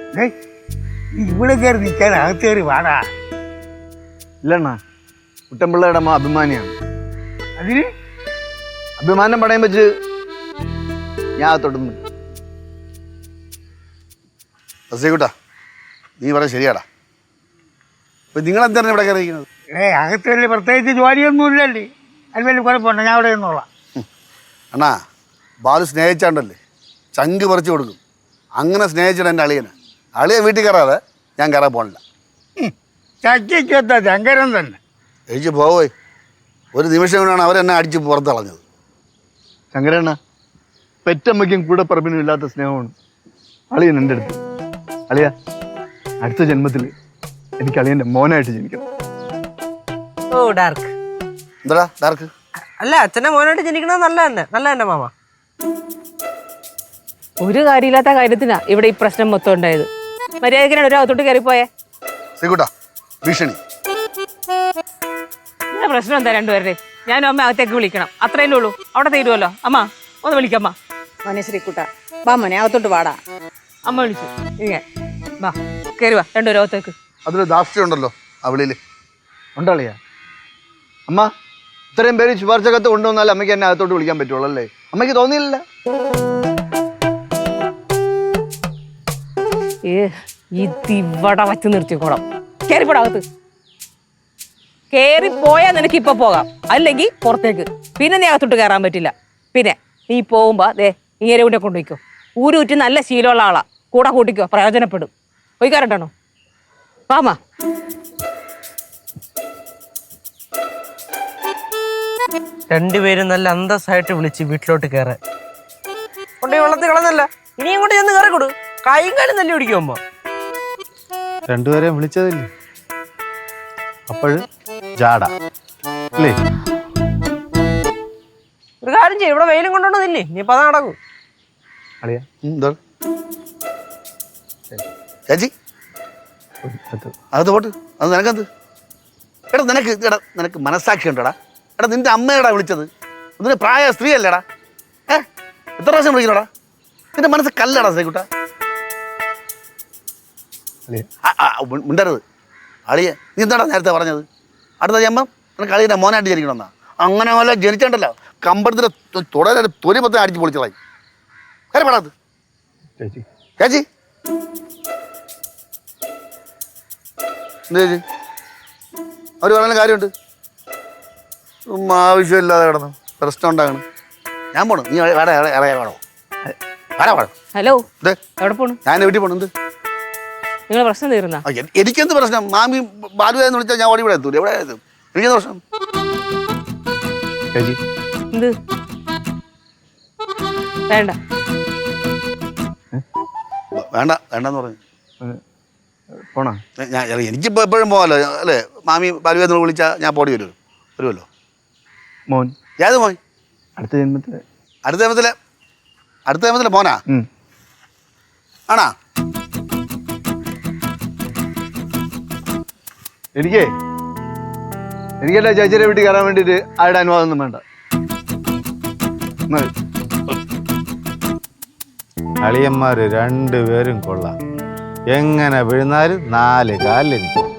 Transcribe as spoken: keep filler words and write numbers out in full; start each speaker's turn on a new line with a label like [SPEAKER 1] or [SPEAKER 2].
[SPEAKER 1] ഇവിടെ കയറി നിൽക്കാൻ അകത്ത് കയറി വാടാ.
[SPEAKER 2] ഇല്ലണ്ണ, കുട്ടൻപിള്ളയുടെ അമ്മ അഭിമാനിയാണ്.
[SPEAKER 1] അതിന്
[SPEAKER 2] അഭിമാനം പടയം വെച്ച് ഞാൻ അകത്തോട്ടുന്നു.
[SPEAKER 3] കൂട്ടാ, നീ പറയാ ശരിയാടാ. അപ്പൊ നിങ്ങളെന്താണ് ഇവിടെ കയറിയിരിക്കുന്നത്?
[SPEAKER 1] ഏ അകത്ത് വലിയ പ്രത്യേകിച്ച് ജോലിയൊന്നും ഇല്ലല്ലേ, അത് വലിയ കുഴപ്പമുണ്ട്, ഞാൻ അവിടെ നിന്നോളാം.
[SPEAKER 3] അണ്ണാ, ബാലു സ്നേഹിച്ചാണ്ടല്ലേ ചങ്ക് പറിച്ചു കൊടുക്കും. അങ്ങനെ സ്നേഹിച്ചിട്ട് എൻ്റെ അളിയന് അളിയെ വീട്ടിൽ കയറാതെ ഞാൻ കയറാൻ പോകണില്ല.
[SPEAKER 1] ചക്കിക്കെത്താ ശങ്കരൻ തന്നെ
[SPEAKER 3] കഴിച്ച് പോവേ. ഒരു നിമിഷം കൊണ്ടാണ് അവരെന്നെ അടിച്ച് പുറത്തളഞ്ഞത്.
[SPEAKER 2] ശങ്കരണ്ണ, പെറ്റമ്മയ്ക്കും കൂടെ പറമ്പിനും ഇല്ലാത്ത സ്നേഹമാണ് അളിയൻ എൻ്റെ അടുത്ത്. അളിയ, അടുത്ത ജന്മത്തിൽ എനിക്ക് അളിയൻ്റെ മോനായിട്ട് ജനിക്കണം.
[SPEAKER 4] ഓ ഡാർക്ക്.
[SPEAKER 3] എന്താ ഡാർക്ക്?
[SPEAKER 4] അല്ല, അച്ഛൻ്റെ മോനായിട്ട് ജനിക്കണത് നല്ല തന്നെ, നല്ല തന്നെ മാമ.
[SPEAKER 5] ഒരു കാര്യമില്ലാത്ത കാര്യത്തിനാ ഇവിടെ ഈ പ്രശ്നം മൊത്തം ഉണ്ടായത്. മര്യാദക്കിനാണ് ഒരു അകത്തോട്ട് കയറിപ്പോയേ.
[SPEAKER 3] ശ്രീകുട്ടാ, ഭീഷണി.
[SPEAKER 5] പ്രശ്നം എന്താ രണ്ടുപേരുടെ? ഞാനും അമ്മ അകത്തേക്ക് വിളിക്കണം, അത്രയല്ലേ ഉള്ളൂ. അവിടെ തീരുമല്ലോ. അമ്മ ഒന്ന് വിളിക്കമ്മ.
[SPEAKER 6] മോനെ ശ്രീക്കുട്ട, വാ മോനെ അകത്തോട്ട് വാടാ.
[SPEAKER 5] അമ്മ വിളിച്ചു. ഇങ്ങനെ വാ, കയറി വാ രണ്ടുപേരും അകത്തേക്ക്.
[SPEAKER 3] അതിൽ ദാസ്യം ഉണ്ടല്ലോ അവളിൽ.
[SPEAKER 2] ഉണ്ടളിയ അമ്മ, ഇത്രയും പേര് ശുപാർശകത്ത് കൊണ്ടുവന്നാൽ അമ്മയ്ക്ക് എന്നെ അകത്തോട്ട് വിളിക്കാൻ പറ്റുള്ളൂ അല്ലേ? അമ്മയ്ക്ക് തോന്നിയില്ല?
[SPEAKER 5] ഏ ഇതിവിടെ വച്ച് നിർത്തിക്കോളാം. കയറിപ്പോടകത്ത്. കയറിപ്പോയാൽ നിനക്ക് ഇപ്പൊ പോകാം, അല്ലെങ്കിൽ പുറത്തേക്ക്. പിന്നെ നീ അകത്തോട്ട് കയറാൻ പറ്റില്ല. പിന്നെ നീ പോകുമ്പോ ദേ ഇങ്ങനെ കൂടെ കൊണ്ടുപോയിക്കോ. ഊരൂറ്റി നല്ല ശീലമുള്ള ആളാ, കൂടെ കൂട്ടിക്കോ, പ്രയോജനപ്പെടും. പോയി കയറട്ടോ വാമാ.
[SPEAKER 4] രണ്ടുപേരും നല്ല അന്തസ്സായിട്ട് വിളിച്ച് വീട്ടിലോട്ട് കയറാൻ കൊണ്ട് വെള്ളത്തിൽ കളഞ്ഞല്ല. ഇനി ഇങ്ങോട്ട് ചെന്ന് കയറി കൊടു. കൈയും കാലും തല്ലി പിടിക്കുമ്പോ
[SPEAKER 7] രണ്ടുപേരെയും വിളിച്ചതില്ലേ, അപ്പോഴും ജാട അല്ലേ?
[SPEAKER 4] ഒരു കാര്യം ചെയ്യും, ഇവിടെ വെയിലും കൊണ്ടുവന്നില്ലേ, ഇനിയിപ്പോ അത് നടക്കും.
[SPEAKER 2] അളിയ,
[SPEAKER 3] എന്താ ചേച്ചി അത് പോട്ട്, അത് നിനക്കെന്ത്? എടാ നിനക്ക് എടാ നിനക്ക് മനസ്സാക്ഷി ഉണ്ടോടാ? എടാ നിന്റെ അമ്മയടാ വിളിച്ചത്, അതിന് പ്രായ സ്ത്രീ അല്ലേടാ? ഏ എത്ര പ്രാവശ്യം വിളിക്കണോടാ? നിന്റെ മനസ്സ് കല്ലടാ ശ്രീകുട്ട. മിണ്ടരുത് അളിയെ. നീ എന്താടാ നേരത്തെ പറഞ്ഞത്? അടുത്ത ജന്മം നിനക്ക് അളിയൻ്റെ മോനായിട്ട് ജനിക്കണമെന്നാ? അങ്ങനെ പോലെ ജനിച്ചിട്ടുണ്ടല്ലോ, കമ്പടത്തിൻ്റെ തുടരെ തൊലി മൊത്തം അടിച്ച് പൊളിച്ചതായി. കാര്യം പാടാത് ചേച്ചി. ചേച്ചി എന്താ ചേച്ചി? അവർ പറയുന്ന കാര്യമുണ്ട്. ആവശ്യമില്ലാതെ കിടന്നു പ്രശ്നം ഉണ്ടാകണം. ഞാൻ പോണു, നീ വേറെ ഇളയ വേണോ? ആരാ വേണം?
[SPEAKER 5] ഹലോ, എവിടെ പോണു?
[SPEAKER 3] ഞാൻ വീട്ടിൽ പോണു. എന്ത്
[SPEAKER 5] നിങ്ങൾ പ്രശ്നം തീർന്ന?
[SPEAKER 3] എനിക്കെന്ത് പ്രശ്നം? മാമി ബാലുവെന്ന് വിളിച്ചാൽ ഞാൻ ഓടി ഇവിടെ എത്തൂല. എവിടെ എത്തും? എനിക്കെന്ത് പ്രശ്നം?
[SPEAKER 5] എന്ത് വേണ്ട
[SPEAKER 3] വേണ്ട വേണ്ടെന്ന് പറഞ്ഞു
[SPEAKER 2] പോണോ?
[SPEAKER 3] ഞാൻ എനിക്കിപ്പോൾ എപ്പോഴും പോകാമല്ലോ അല്ലേ? മാമി ബാലുവെന്ന് വിളിച്ചാൽ ഞാൻ പോടി വരുമല്ലോ വരുമല്ലോ.
[SPEAKER 2] മോൻ
[SPEAKER 3] ഏത് മോൻ?
[SPEAKER 2] അടുത്ത ജന്മത്തില്
[SPEAKER 3] അടുത്ത ജന്മത്തിലെ അടുത്ത ജന്മത്തിലെ മോനാ? ആണാ?
[SPEAKER 2] എനിക്കേ എനിക്കെല്ലാം ചേച്ചിയുടെ വീട്ടിൽ കയറാൻ വേണ്ടിയിട്ട് ആരുടെ അനുവാദം ഒന്നും വേണ്ട.
[SPEAKER 7] അളിയന്മാര് രണ്ടുപേരും കൊള്ളാം. എങ്ങനെ വീഴുന്നാലും നാല് കാലിൽ നിൽക്കും.